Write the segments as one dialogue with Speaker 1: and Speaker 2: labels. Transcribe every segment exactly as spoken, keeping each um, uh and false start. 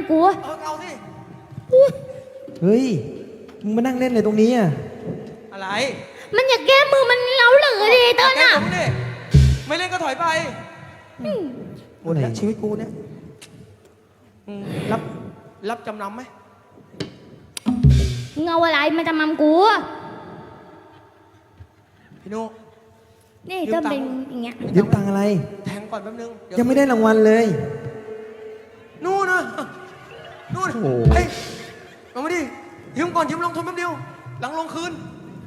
Speaker 1: กู
Speaker 2: เออเอาสิ
Speaker 3: เฮ้ยมึงมานั่งเล่นเลยตรงนี้อ่ะ
Speaker 2: อะไร
Speaker 1: มันอยากแก้มือมันเล้าเหลือดิเต้น
Speaker 2: แก
Speaker 1: อ่ะ
Speaker 2: ผมดิไม่เล่นก็ถอยไปหมดแล้วชีวิตกูเนี่ยอืมรับรับจำนำไหม
Speaker 1: เงาอะไรมาจะมัมกู
Speaker 2: พี่นุ
Speaker 1: นี่เต้นเป็นอย่างเงี้ย
Speaker 3: ยืมตังค์อะไร
Speaker 2: แทงก่อนแป๊บนึงเดี๋ว
Speaker 3: ยังไม่ได้รางวัลเลย
Speaker 2: นู่นนะนู่น
Speaker 3: โอ้โห
Speaker 2: เฮ้ยเอามาดิยืมก่อนยืมลงทุนแป๊บเดียวหลังลงคืน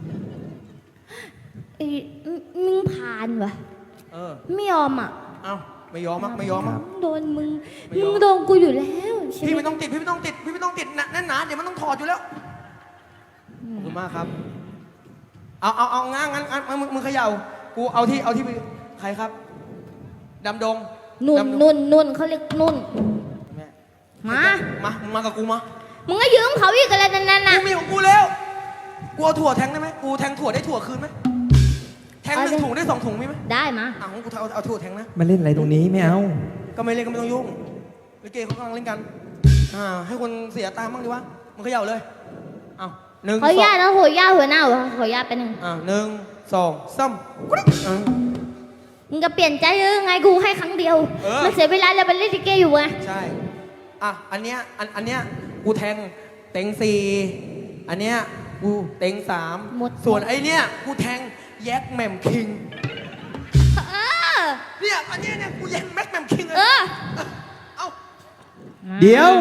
Speaker 1: ไอ้มึงผ่านวะ
Speaker 2: เออ
Speaker 1: ไม่ยอมอ่ะ
Speaker 2: เอาไม่ยอมมั้งไม่ยอมมั้ง
Speaker 1: โดนมึง
Speaker 2: ไม่ยอม
Speaker 1: มึงโดนกูอยู่แล้วใช่
Speaker 2: พี่
Speaker 1: ไหม
Speaker 2: ไม่ต้องติดพี่ไม่ต้องติดพี่ไม่ต้องติดหนะแน่นหนาเดี๋ยวมันต้องถอดอยู่แล้วขอบคุณมากครับเอาเอาเอางั้นงั้นงั้นมึงมึงเขย่ากูเอาที่เอาที่ใครครับดำดง
Speaker 1: นุ่น
Speaker 2: ดำดง
Speaker 1: นุ่นนุ่นเขาเรียกนุ่น
Speaker 2: แม่
Speaker 1: มา
Speaker 2: มามึงมากับกูมา
Speaker 1: มึงก็ยืมเขาอีกอะไรนั่นน่ะ
Speaker 2: กูมีของกูแล้วกูเอาถั่วแทงได้ไหมกูแทงถั่วได้ถั่วคืนไหมแทงหนึ่งถุงได้สองถุงมีไหม
Speaker 1: ได้มา
Speaker 2: อ่ะของกูเอาเอาถั่วแทงนะ
Speaker 3: มาเล่นอะไรตรงนี้ไม่เอา
Speaker 2: ก็ไม่เล่นก็ไม่ต้องยุ่งลิเกเขากำลังเล่นกันอ่าให้คนเสียตามบ้างดีวะมึงเขย่าเลยเอาหนึ่ง
Speaker 1: ขออนุ
Speaker 2: สอ
Speaker 1: ญาง ตนะหัวย่าหัวหน้าหัวขออนุญาตไปหนึ่ง
Speaker 2: อ่าหนึ่งสองสามกริ๊กอ่า
Speaker 1: มึงจะเปลี่ยนใจหรือไงกูให้ครั้งเดียว
Speaker 2: เออ
Speaker 1: มันเสียเวลาแล้วไปเล่นลิเกอยู่ไง
Speaker 2: ใช่อ่ะอันเนี้ยอันอันเนี้ยกูแทงเต็งสี่อันเนี้ยกูเต็งสามส่วนไอเนี้ยกูแทงแยกแหม่มคิง
Speaker 1: เออ
Speaker 2: เนี่ยอันเนี้ยเนี่ยกูแยกแม็กแหม่มคิงเลย
Speaker 1: เออ
Speaker 2: เอ้า
Speaker 3: เดี๋ยว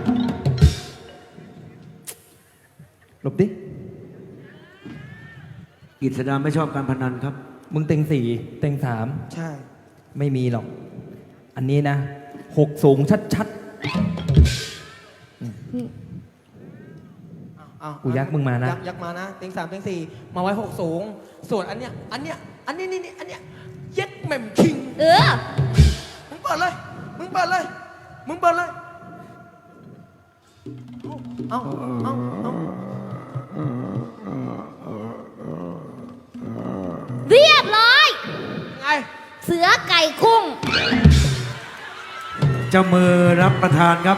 Speaker 3: หลบดิ
Speaker 4: กิจสดาไม่ชอบการพนันครับ
Speaker 3: มึงเต็งสี่เต็งสาม
Speaker 2: ใช่
Speaker 3: ไม่มีหรอก อันนี้นะหกสูงชัด
Speaker 2: อ้าว
Speaker 3: กูยักมึงมานะ
Speaker 2: ยักยักมานะเต็งสามเต็งสี่มาไว้หกสูง ส่วนอันเนี้ยอันเนี้ยอันนี้นี่นี่อันเนี้ยแยกแหม่มคิง
Speaker 1: เออ
Speaker 2: มึงเปิดเลย มึงเปิดเลย มึงเปิดเลย เอาเอาเอา
Speaker 1: เรียบร้อย
Speaker 2: ไง
Speaker 1: เสือไก่กุ้ง
Speaker 4: เจ้ามือรับประทานครับ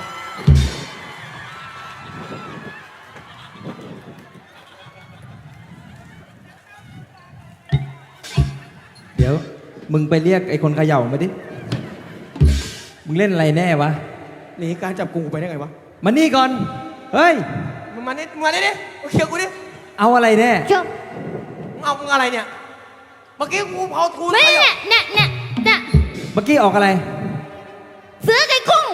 Speaker 3: ๆ เดี๋ยว มึงไปเรียกไอ้คนเขย่ามาดิ มึงเล่นอะไรแน่วะ
Speaker 2: หนีการจับกูไปได้ไงวะ
Speaker 3: มานี่ก่อน เฮ้ย
Speaker 2: มึงมานี่มึงมานี่ดิมาเคลียร์กูดิ
Speaker 3: เอาอะไรแน่
Speaker 1: จบ
Speaker 2: มึงเอามึงอะไรเนี่ย เมื่อกี้กูเอาทู
Speaker 1: ไม่
Speaker 2: ไป
Speaker 1: เนี่ยเนี่ยเนี่ยเนี่ย
Speaker 3: เมื่อกี้ออกอะไร
Speaker 1: เสือไก่กุ้ง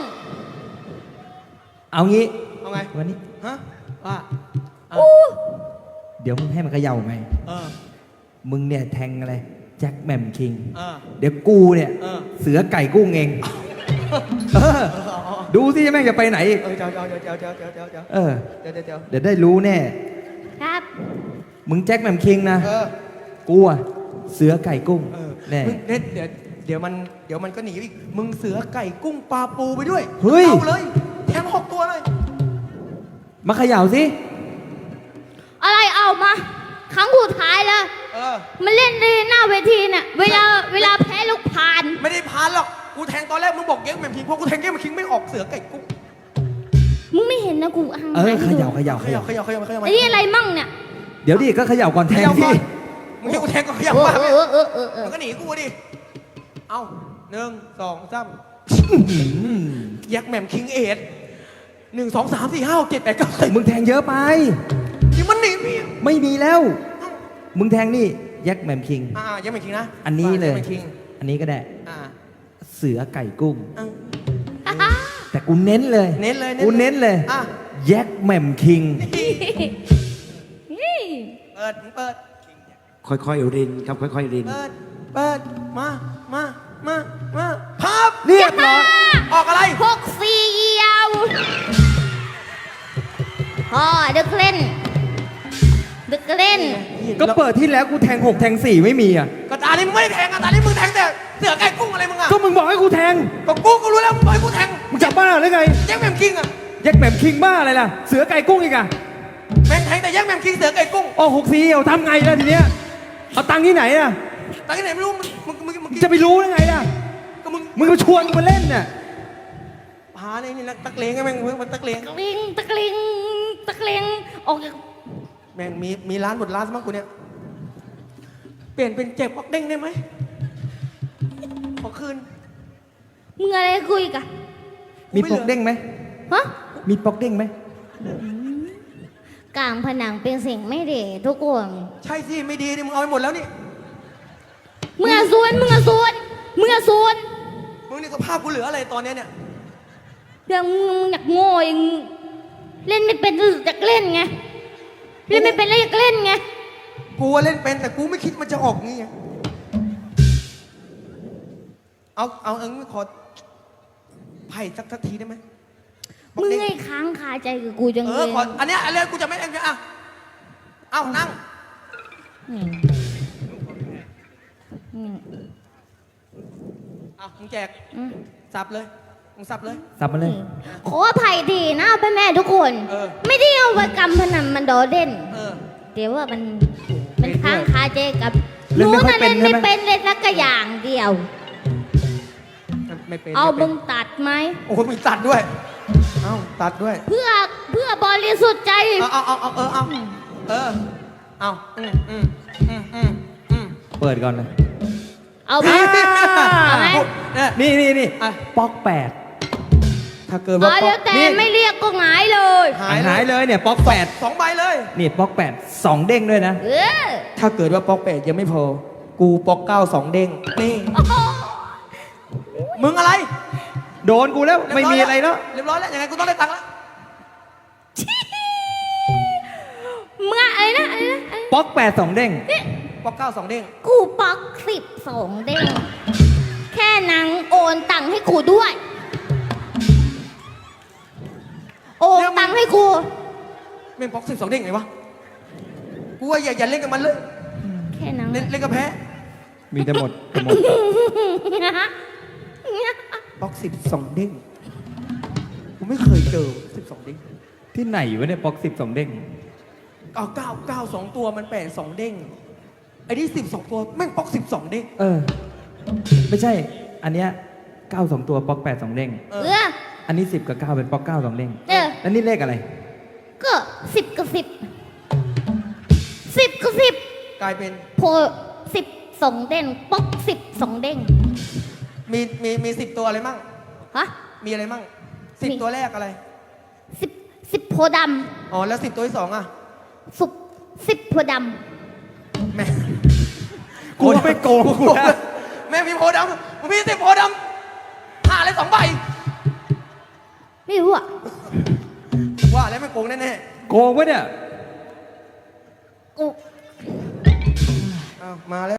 Speaker 3: เอางี้
Speaker 2: เอาไง
Speaker 3: วันนี้
Speaker 2: ฮะว่าอ่ะ
Speaker 1: อู้
Speaker 3: เดี๋ยวมึงให้มันเขย่าไง
Speaker 2: เออ
Speaker 3: มึงเนี่ยแทงอะไร แจ็คแหม่มคิง
Speaker 2: เออ
Speaker 3: เดี๋ยวกูเนี่ย
Speaker 2: เออ
Speaker 3: เสือไก่กุ้งเอง เออ ดูสิแม่งจะไปไหนอีก
Speaker 2: เออเจ้าเจ้าเจ้าเจ้าเจ้าเจ้าเจ้า
Speaker 3: เออ
Speaker 2: เจ้าเจ้าเจ้า
Speaker 3: เดี๋ยวได้รู้แน่
Speaker 1: ครับ
Speaker 3: มึงแจ็คแหม่มคิงนะ
Speaker 2: เออ
Speaker 3: กูอะเสือไก่กุ้ง
Speaker 2: เออ
Speaker 3: แน่
Speaker 2: มึงเด็ดเดี๋ยวเดี๋ยวมันเดี๋ยวมันก็หนีอีก มึงเสือไก่กุ้งปลาปูไปด้วย
Speaker 3: เฮ้ย
Speaker 2: เอาเลยแทงหกตัวเลย
Speaker 3: มาเขย่าสิ
Speaker 1: อะไรเอามา ครั้งสุดท้ายแล้ว
Speaker 2: เออ
Speaker 1: มันเล่นในหน้าเวทีน่ะ เวลาเวลาแพ้ลูกพาน
Speaker 2: ไม่ได้พานหรอก กูแทงตอนแรกมึงบอกเย้งแหม่มคิงพอกูแทงเย้งแหม่มคิงไม่ออกเสือไก่กุ้ง
Speaker 1: มึงไม่เห็นนะกูอ่าง
Speaker 3: เออเขย่าเขย่า
Speaker 2: เข
Speaker 3: เข
Speaker 2: ย่า
Speaker 3: ย่า
Speaker 2: เขย่าเขย่าเขย่า
Speaker 1: ไอ้นี่อะไรมั่งเนี่ย
Speaker 3: เดี๋ยวดิก็เขย่าก่อนแท
Speaker 2: เข
Speaker 3: ง
Speaker 2: ย่า
Speaker 3: สิ
Speaker 2: ก่อนมึงให้กูแทงก็เขย่า
Speaker 1: เออ
Speaker 2: มาก
Speaker 1: เอ
Speaker 2: เลย
Speaker 1: อเออเออเออ
Speaker 2: มันก็หนีกูดิ เอาหนึ่งสองสาม
Speaker 3: อืม
Speaker 2: แยกแหม่มคิงเอ็ดหนึ่งสองสามสี่ห้าหกเจ็ดแปดเก้าสิบ
Speaker 3: มึงแทงเยอะไป
Speaker 2: ที่มันหนีพี่
Speaker 3: ไม่มีแล้ว มึงแทงนี่แจ็คแหม่มคิง
Speaker 2: อ่าแยกแหม่มคิงนะ
Speaker 3: อันนี้เลย
Speaker 2: แกแหม่มคิง
Speaker 3: อันนี้ก็ได้
Speaker 2: อ่า
Speaker 3: เสือไก่กุ้ง
Speaker 2: อ่ะ
Speaker 1: ฮ่าฮ่า
Speaker 3: แต่กูเน้นเลย
Speaker 2: เน้นเลย
Speaker 3: กูเน้นเลย
Speaker 2: อ่ะ
Speaker 3: แจ็คแหม่มคิง
Speaker 1: นี่
Speaker 2: เปิดมึงเปิด
Speaker 4: ค่อยๆรินครับ ค่อยๆริน
Speaker 2: เปิด เปิด มา มา มา มาพับ
Speaker 3: เรียบร้อย
Speaker 2: ออกอะไร
Speaker 1: หกสี่เอียวพ่อดึกเล่น ดึกเล่น
Speaker 3: ก็เปิดที่แล้วกูแทงหกแทงสี่ไม่มีอ่ะ
Speaker 2: ก็ตานี้มึงไม่ได้แทงอ่ะตานี้มึงแทงแต่เสือไก่กุ้งอะไรมึงอ่ะ
Speaker 3: ก็มึงบอกให้กูแทง
Speaker 2: ก็กูก็รู้แล้วมึงบอกให้กูแทง
Speaker 3: มึงจับบ้าหรือไง
Speaker 2: แยกแหม่มคิงอ่ะ
Speaker 3: แจ็คแหม่มคิงบ้าอะไรล่ะ เสือไก่กุ้งอีกอ่ะ
Speaker 2: แม่งแทงแต่แยกแหม่มคิงเสือไก่กุ้ง
Speaker 3: โอ้หกสี่เอาทำไงล่ะทีเนี้ย เอาตังค์ที่ไหนอ่ะ
Speaker 2: ตาที่ไหนไม่รู้มึงมึงมึงมึง
Speaker 3: จะไปรู้ได้ไงล่ะ
Speaker 2: ก็มึง
Speaker 3: มึงมาชวนกูมาเล่นเนี่ย
Speaker 2: พัาเนี่ยนี่นักตะเลงไงแม่งเพิ่งมันตะเลง
Speaker 1: ตะลิงตะลิงตะลิงออกจาก
Speaker 2: แม่งมีมีร้านหมดร้านซะมั้งกูเนี่ยเปลี่ยนเป็นเจ็บปอกเด้งได้ไหมขอคืน
Speaker 1: มึงอะไรคุยกัน
Speaker 3: มีปอกเด้งไหม
Speaker 1: ฮะ
Speaker 3: มีปอกเด้งไหม
Speaker 1: กลางผนังเป็นสิ่งไม่ดีทุกคน
Speaker 2: ใช่สิไม่ดีนี่มึงเอาไปหมดแล้วนี่
Speaker 1: มึงอะซวนมึงอะซวนมึงอะซวน
Speaker 2: มึงนี่สภาพกูเหลืออะไรตอนเนี้ยเนี่ย
Speaker 1: เรื่องมึงมึงอยากโง่เองเล่นไม่เป็นอยากเล่นไงเล่นไม่เป็นแล้วอยากเล่นไง
Speaker 2: กูว่าเล่นเป็นแต่กูไม่คิดมันจะออกงี้ไงเอาเอาเอางี้ขอไพ่สักทักทีได้ไหมปอก
Speaker 1: มึง
Speaker 2: เด้ง
Speaker 1: ไอ้ค้างคาใจกับกูจัง
Speaker 2: เอ
Speaker 1: เล
Speaker 2: อย ขออันเนี้ยอันเนี้ยกูจะไม่เอ็มจะอ่ะเอานั่ง
Speaker 1: อืมอืม
Speaker 2: เอามึงแจก
Speaker 1: อืม
Speaker 2: สับเลยมึงสับเลย
Speaker 3: สับมาเลย
Speaker 1: ขออภัยดีนะพ่อแม่ทุกคน
Speaker 2: เออ
Speaker 1: ไม่ได้เอาไปกำพนันมันโดดเด่น
Speaker 2: เออ
Speaker 1: เดี๋ยวว่ามันมันค้างคาใจกับ
Speaker 3: เล่นไม่ค่อย
Speaker 1: นะ
Speaker 3: เป็
Speaker 1: เล่
Speaker 3: น
Speaker 1: น
Speaker 3: ใช่
Speaker 1: ไม่
Speaker 3: ไหม
Speaker 1: เป็นเล่นสักอย่างเดียว
Speaker 2: ไม่เป็น
Speaker 1: เอา
Speaker 2: ไม่เป็
Speaker 1: มึ
Speaker 2: น
Speaker 1: งตัดไหม
Speaker 2: โอ้โหมีตัดด้วย เอาตัดด้วย
Speaker 1: เพื่อเพื่อบริสุทธิ์ใจ
Speaker 2: เอาเอาเอาเอาเออเอาเออเอาอืมอืมอืมอืมอืม
Speaker 3: เปิดก่อนเลย
Speaker 1: เอาไหมเอาไหม
Speaker 2: เนี่ย
Speaker 3: นี่นี่นี่
Speaker 2: อ่ะ
Speaker 3: ปอกแปด
Speaker 2: ถ้าเกิด
Speaker 1: อ๋
Speaker 2: ว่า
Speaker 1: อเดี๋ยวแต่
Speaker 3: นี่
Speaker 1: ไม่เรียกก็หงายเลย
Speaker 2: หาย
Speaker 3: หายเลยเนี่ยปอกแปด
Speaker 2: สองใบเลย
Speaker 3: นี่ปอกแปดสองเด้งด้วยนะ
Speaker 1: เออ
Speaker 2: ถ้าเกิดว่าป๊อกแปดยังไม่พอ กูป๊อกเก้าสองเด้งนี่
Speaker 1: โอ้โห
Speaker 2: มึงอะไร
Speaker 3: โดนกูแล้วไม่มีอะไรแล้ว
Speaker 2: เรียบร้อยแล้วยังไงกูต้องได้ตังค์แล้ว
Speaker 1: มึงอะไรนะอะไรนะอะไรนะ
Speaker 3: ปอกแปดสองเด้ง
Speaker 2: ป๊อกเก้าสองเด้ง
Speaker 1: กูปักสิบสองเด้งแค่นังโอนตังค์ให้กูด้วย โอนตังค์ให้กู
Speaker 2: แม่งป๊อกสิบสองเด้งไงวะกูว่าอย่าอย่าเล่นกับมันเลย
Speaker 1: แค่นัง
Speaker 2: เล่นเล่นกับแพ้
Speaker 3: มีแต่หมดแต่หมด
Speaker 2: ป๊อกสิบสองเด้งกูไม่เคยเจอสิบสองเด้ง
Speaker 3: ที่ไหนวะเนี่ยปอกสิบสองเด้ง
Speaker 2: เอาเก้าเก้าสองตัวมันแปดสองเด้งไอ้นี่สิบสองตัวแม่งป๊อกสิบสองเด้ง
Speaker 3: เออ ไม่ใช่ อันเนี้ยเก้าสองตัวปอกแปดสองเด้ง
Speaker 2: เอ
Speaker 1: เอ
Speaker 2: อ
Speaker 1: อ
Speaker 3: อันนี้สิบกับเก้าเป็นปอกเก้าสองเด้ง
Speaker 1: เออ
Speaker 3: แล้วนี่เลขอะไร
Speaker 1: ก็สิบกับสิบสิบกับสิบ
Speaker 2: กลายเป็น
Speaker 1: โพสิบสองเด้งป๊อกสิบสองเด้ง
Speaker 2: มีมีมีสิบตัวอะไรมั่ง
Speaker 1: ฮะ
Speaker 2: มีอะไรมั่งสิบ
Speaker 1: มี
Speaker 2: ตัวแรกอะไร
Speaker 1: สิบสิบโพธิ์ด
Speaker 2: อ๋อแล้วสิบตัวที่สองอ่ะ
Speaker 1: ำสุบสิบโพธิ์ด
Speaker 2: แม่
Speaker 3: กูไม่โกงกูนะ
Speaker 2: แม่มีโพธิ์ดำมึงมีสิบโพธิ์ดำห้าเลยสองใบ
Speaker 1: ำไม่รู้อ่ะ
Speaker 2: ว่าแล้วไม่โกงแน่
Speaker 3: โกงวะเนี่ย
Speaker 1: กู
Speaker 2: ๆอ้าวมาแล้ว